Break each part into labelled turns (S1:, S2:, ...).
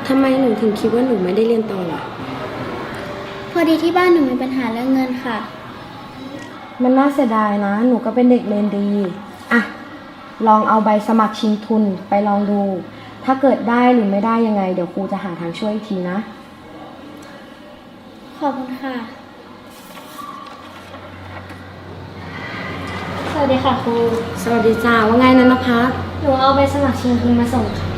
S1: ทำไมหนูถึงคิดว่าหนูไม่ได้เรียนต่อล่ะ
S2: พอดีที่บ้านหนูมีปัญหาเรื่องเงินค่ะ
S1: มันน่าเสียดายนะหนูก็เป็นเด็กเรียนดีอะลองเอาใบสมัครชิงทุนไปลองดูถ้าเกิดได้หรือไม่ได้ยังไงเดี๋ยวครูจะหาทางช่วยอีกทีนะ
S2: ขอบคุณค่ะสวัสดีค่ะครู
S1: สวัสดีจ้าว่าไงนะนภัส
S2: หนูเอาใบสมัครชิงทุนมาส่งค่ะ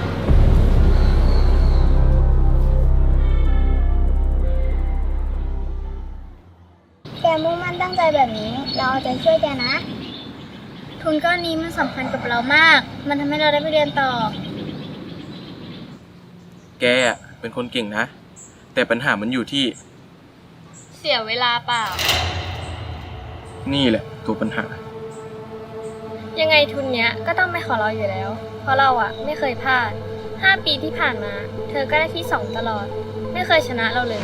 S2: แกมุ่งมั่นตั้งใจแบบนี้เราเอาใจช่วยแกนะทุนก้อนนี้มันสำคัญกับเรามากมันทำให้เราได้ไปเรียนต่อ
S3: แกเป็นคนเก่งนะแต่ปัญหามันอยู่ที่
S2: เสียเวลาเปล่า
S3: นี่แหละตัวปัญหา
S2: ยังไงทุนเนี้ยก็ต้องไม่ขอเราอยู่แล้วเพราะเราไม่เคยพลาด5 ปีที่ผ่านมาเธอก็ได้ที่2ตลอดไม่เคยชนะเราเลย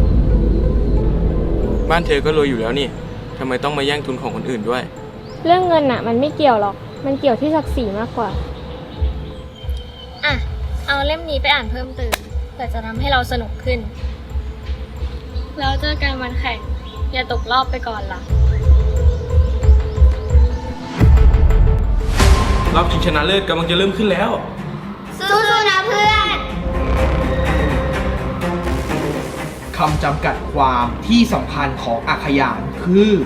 S3: บ้านเธอก็รวยอยู่แล้วนี่ทำไมต้องมาแย่งทุนของคนอื่นด้วย
S4: เรื่องเงินมันไม่เกี่ยวหรอกมันเกี่ยวที่ศักดิ์ศรีมากกว่า
S2: เอาเล่มนี้ไปอ่านเพิ่มเติมเพื่อจะทำให้เราสนุกขึ้นแล้วเจอกันวันแข่งอย่าตกรอบไปก่อนล่ะ
S3: รอบชิงชนะเลิศกำลังจะเริ่มขึ้นแล้ว
S2: สู้ๆนะเพื่อน
S5: คำจำกัดความที่สำคัญของอักขยานคือบ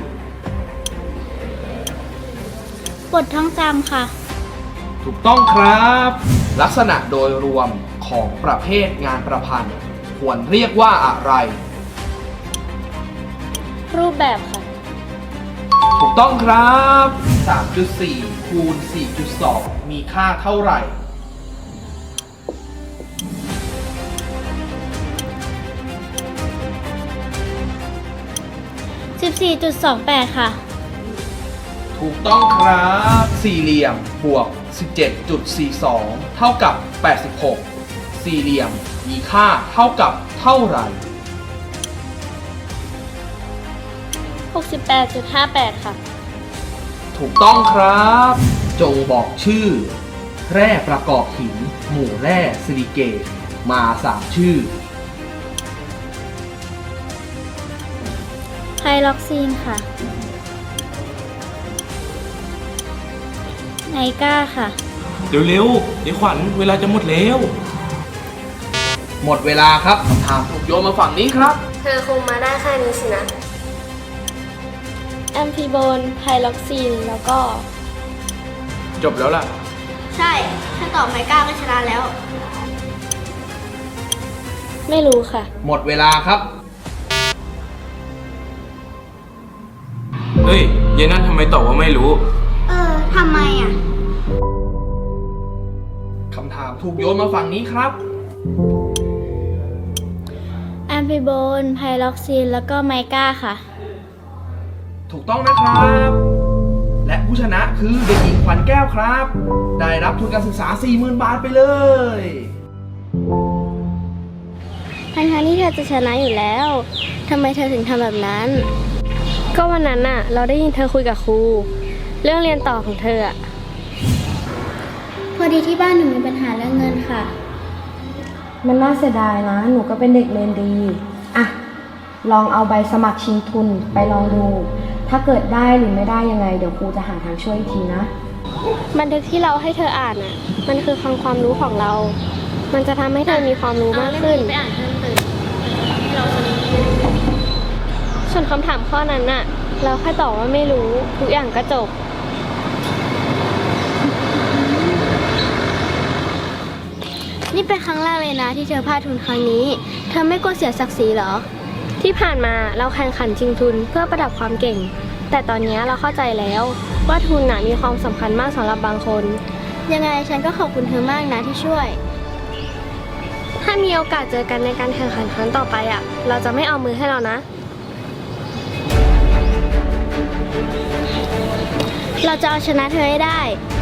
S2: ทท่องจำค่ะ
S5: ถูกต้องครับ ลักษณะโดยรวมของประเภทงานประพันธ์ควรเรียกว่าอะไร
S4: รูปแบบค่ะ
S5: ถูกต้องครับ 3.4 คูณ 4.2 มีค่าเท่าไหร่
S2: 14.28 ค่ะ
S5: ถูกต้องครับสี่เหลี่ยมบวก 17.42 เท่ากับ 86 สี่เหลี่ยมมีค่าเท่ากับเท่าไหร่
S4: 68.58 ค่ะ
S5: ถูกต้องครับจงบอกชื่อแร่ประกอบหินหมู่แร่ซิลิเกตมา3ชื่อ
S2: ไพล็อกซีนค่ะไนก้าค่ะ
S3: เร็วๆเดี๋ยวขวัญเวลาจะหมดแล้ว
S5: หมดเวลาครับคำถามถูกโยนมาฝั่งนี้ครับ
S1: เธอคงมาได้แค่นี้สินะ
S4: แอมฟิโบนไพล็อกซีนแล้วก็
S3: จบแล้วล่ะ
S2: ใช่ถ้าตอบไนก้าก็ชนะแล้ว
S4: ไม่รู้ค่ะ
S5: หมดเวลาครับ
S3: เฮ้ยเยนั่นทำไมตอบว่าไม่รู้
S2: ทำไม
S5: คำถามถูกโยนมาฝั่งนี้ครับ
S2: แอมฟิโบนไพล็อกซีนแล้วก็ไมก้าค่ะ
S5: ถูกต้องนะครับและผู้ชนะคือเด็กหญิงขวัญแก้วครับได้รับทุนการศึกษา 40,000 บาทไปเลย
S2: ทั้งที่เธอจะชนะอยู่แล้วทำไมเธอถึงทำแบบนั้น
S4: ก็วันนั้นเราได้ยินเธอคุยกับครูเรื่องเรียนต่อของเธอ
S2: พอดีที่บ้านหนูมีปัญหาเรื่องเงินค่ะ
S1: มันน่าเสียดายนะหนูก็เป็นเด็กเรียนดีอะลองเอาใบสมัครชิงทุนไปลองดูถ้าเกิดได้หรือไม่ได้ยังไงเดี๋ยวครูจะหาทางช่วยอีกทีนะ
S4: บันทึกที่เราให้เธออ่านมันคือความรู้ของเรามันจะทำให้เธอมีความรู้มากขึ้น
S2: ไปอ่านเพิ่มเติมให้เราสนุก
S4: ส่วนคำถามข้อนั้นเราแค่ตอบว่าไม่รู้ทุกอย่างก็จบ
S2: นี่เป็นครั้งแรกเลยนะที่เธอพลาดทุนครั้งนี้เธอไม่กลัวเสียศักดิ์ศรีเหรอ
S4: ที่ผ่านมาเราแข่งขันชิงทุนเพื่อประดับความเก่งแต่ตอนนี้เราเข้าใจแล้วว่าทุนมีความสำคัญมากสำหรับบางคน
S2: ยังไงฉันก็ขอบคุณเธอมากนะที่ช่วย
S4: ถ้ามีโอกาสเจอกันในการแข่งขันครั้งต่อไปเราจะไม่เอามือให้เรานะ
S2: เราจะเอาชนะเธอให้ได้